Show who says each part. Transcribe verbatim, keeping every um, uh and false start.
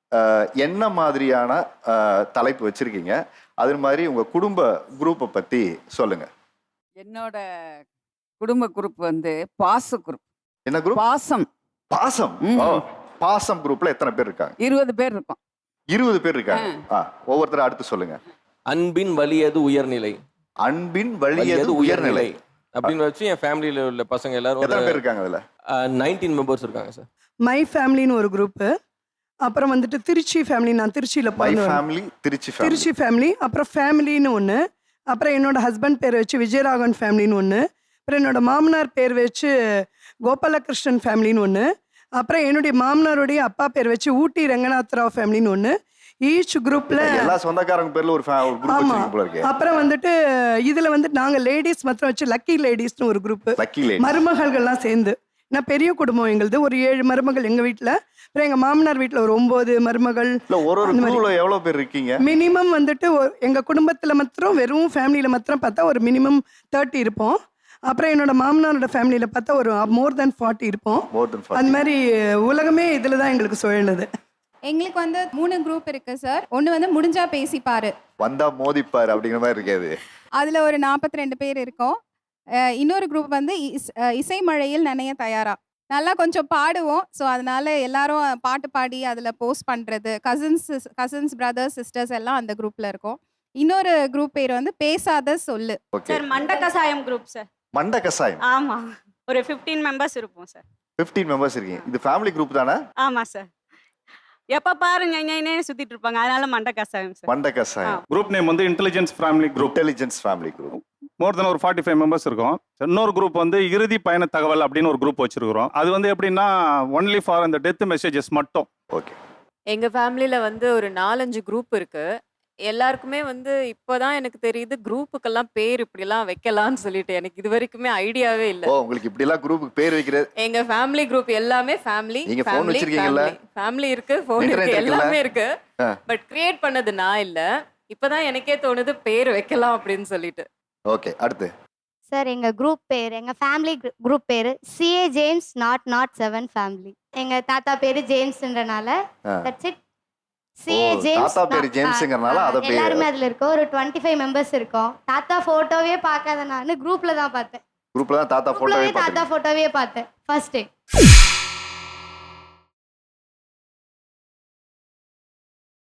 Speaker 1: என்ன மாதிரியான தலைப்பு வச்சிருக்கீங்க? அது மாதிரி உங்க குடும்ப குரூப்பை பத்தி சொல்லுங்க.
Speaker 2: என்னோட குடும்ப குரூப் வந்து பாச குரூப்.
Speaker 1: என்ன குரூப்?
Speaker 2: பாசம்.
Speaker 1: பாசம். ஓ, பாசம் குரூப்ல எத்தனை பேர் இருக்காங்க?
Speaker 2: இருபது பேர் இருக்கோம்.
Speaker 1: இருபது பேர் இருக்காங்க. ஒவ்வொருத்தரும் அடுத்து சொல்லுங்க.
Speaker 3: அன்பின் வலியது உயர்நிலை.
Speaker 1: அன்பின் வலியது உயர்நிலை
Speaker 3: அப்படின்னு வச்சு என் ஃபேமிலியில உள்ள பசங்க எல்லாரும்
Speaker 1: எத்தனை பேர் இருக்காங்க? அதுல
Speaker 3: நைன்டீன் மெம்பர்ஸ் இருக்காங்க சார்.
Speaker 4: மை ஃபேமிலின்னு ஒரு குரூப். அப்புறம் வந்துட்டு திருச்சி ஃபேமிலி, நான் திருச்சியில
Speaker 1: my family, Trichy family.
Speaker 4: Trichy family. அப்புறம் ஃபேமிலின்னு ஒன்று. அப்புறம் என்னோட ஹஸ்பண்ட் பேர் வச்சு விஜயராகவன் ஃபேமிலின்னு ஒன்று. அப்புறம் என்னோட மாமனார் பேர் வச்சு கோபாலகிருஷ்ணன் ஃபேமிலின்னு ஒன்று. அப்புறம் என்னுடைய மாமனாருடைய அப்பா பேர் வச்சு ஊட்டி ரங்கநாத்ராவ் ஃபேமிலின்னு ஒன்று. ஈச் குரூப்ல
Speaker 1: எல்லா சொந்தக்காரங்க பேர்ல ஒரு குரூப் வச்சிருக்கீங்க போல இருக்கு.
Speaker 4: அப்புறம் வந்துட்டு இதுல வந்து நாங்க லேடிஸ் மாத்திரம் வச்சு லக்கி லேடிஸ்னு ஒரு குரூப்.
Speaker 1: லக்கி லேடி
Speaker 4: மருமகள்கள்லாம் சேர்ந்து. நான் பெரிய குடும்பம் எங்களுது. ஒரு ஏழு மருமகள் எங்க வீட்டுல. அப்புறம் எங்க மாமனார் வீட்டுல ஒரு ஒன்பது மருமகள்.
Speaker 1: ஒரு ஒரு குரூப்ல எவ்வளவு பேர் இருக்கீங்க?
Speaker 4: மினிமம் வந்துட்டு எங்க குடும்பத்துல மாத்திரம் வெறும் ஃபேமிலியில மாத்திரம் பார்த்தா ஒரு மினிமம் தேர்ட்டி இருப்போம். அப்புறம் என்னோட மாமனாரோட ஃபேமிலியில பார்த்தா ஒரு மோர் தென் ஃபார்ட்டி இருப்போம். அந்த மாதிரி உலகமே இதுல தான் எங்களுக்கு சுழலுது.
Speaker 5: எங்களுக்கு வந்து மூணு குரூப் இருக்கு சார். ஒன்று வந்து முடிஞ்சா பேசிப்பாரு,
Speaker 1: வந்தா மோதிப்பாரு அப்படிங்கிற மாதிரி இருக்காது.
Speaker 5: அதுல ஒரு நாற்பத்தி ரெண்டு பேர் இருக்கோம். இன்னொரு குரூப் வந்து இசை மழையில் நனைய தயாரா. நல்லா கொஞ்சம் பாடுவோம். ஸோ அதனால எல்லாரும் பாட்டு பாடி அதில் போஸ்ட் பண்ணுறது. கசின்ஸ் கசின்ஸ் பிரதர்ஸ் சிஸ்டர்ஸ் எல்லாம் அந்த குரூப்ல இருக்கோம். இன்னொரு குரூப் பேர் வந்து பேசாத சொல்லு
Speaker 6: சார். மண்ட கசாயம் குரூப் சார்.
Speaker 1: மண்ட கசாயம்.
Speaker 6: ஆமா, ஒரு பதினைந்து மெம்பர்ஸ் இருப்போம் சார்.
Speaker 1: பதினைந்து மெம்பர்ஸ் இருக்கீங்க. இது ஃபேமிலி குரூப் தானே?
Speaker 6: ஆமா சார். எப்ப பாருங்க ஞஞனே சுத்திட்டு இருப்பாங்க. அதனால மண்ட கசாயம் சார்.
Speaker 1: மண்ட கசாயம்.
Speaker 7: குரூப் நேம் வந்து intelligence family group.
Speaker 1: Intelligence family group.
Speaker 7: More then ஒரு ஃபார்ட்டி ஃபைவ் மெம்பர்ஸ் இருக்கும். இன்னொரு குரூப் வந்து இறுதி பயண தகவல் அப்படின்னு ஒரு குரூப் வச்சிருக்கிறோம். அது வந்து எப்படின்னா ஒன்லி ஃபார் அந்த டெத் மெசேஜஸ் மட்டும்.
Speaker 1: ஓகே.
Speaker 8: எங்க ஃபேமிலியில வந்து ஒரு நாலஞ்சு குரூப் இருக்கு. எல்லாருக்குமே வந்து இப்போதான் எனக்கு தெரியுது குரூப்புக்கெல்லாம் பேர் இப்படிலாம் வைக்கலாம்னு சொல்லிட்டு. எனக்கு இது வரைக்குமே ஐடியாவே இல்ல.
Speaker 1: ஓ, உங்களுக்கு இப்படி எல்லாம் குரூப்புக்கு பேர் வைக்கிறது?
Speaker 8: எங்க ஃபேமிலி குரூப் எல்லாமே ஃபேமிலி.
Speaker 1: நீங்க ஃபோன் வச்சிருக்கீங்கல்ல?
Speaker 8: ஃபேமிலி இருக்கு, ஃபோன் இருக்கு, எல்லாமே இருக்கு. பட் கிரியேட் பண்ணது நான் இல்ல. இப்பதான் எனக்கே தோணுது பேர் வைக்கலாம் அப்படின்னு சொல்லிட்டு.
Speaker 1: ஓகே, அடுத்து
Speaker 9: சார். எங்க குரூப் பேர், எங்க ஃபேமிலி குரூப் பேரு CA James nought nought seven family. எங்க தாத்தா பேரு ஜேம்ஸ்ன்றனால தட்ஸ் இட். CA James.
Speaker 1: தாத்தா பேரு ஜேம்ஸ்ங்கறனால அத பேர்.
Speaker 9: எல்லாரும் அதுல இருக்கோம். ஒரு இருபத்தி ஐந்து மெம்பர்ஸ் இருக்கோம். தாத்தா போட்டோவே பார்க்காத நான் குரூப்ல தான் பார்த்தேன்.
Speaker 1: குரூப்ல தான் தாத்தா போட்டோவே பார்த்தேன்.
Speaker 9: தாத்தா போட்டோவே பார்த்தேன் ஃபர்ஸ்ட் டைம்.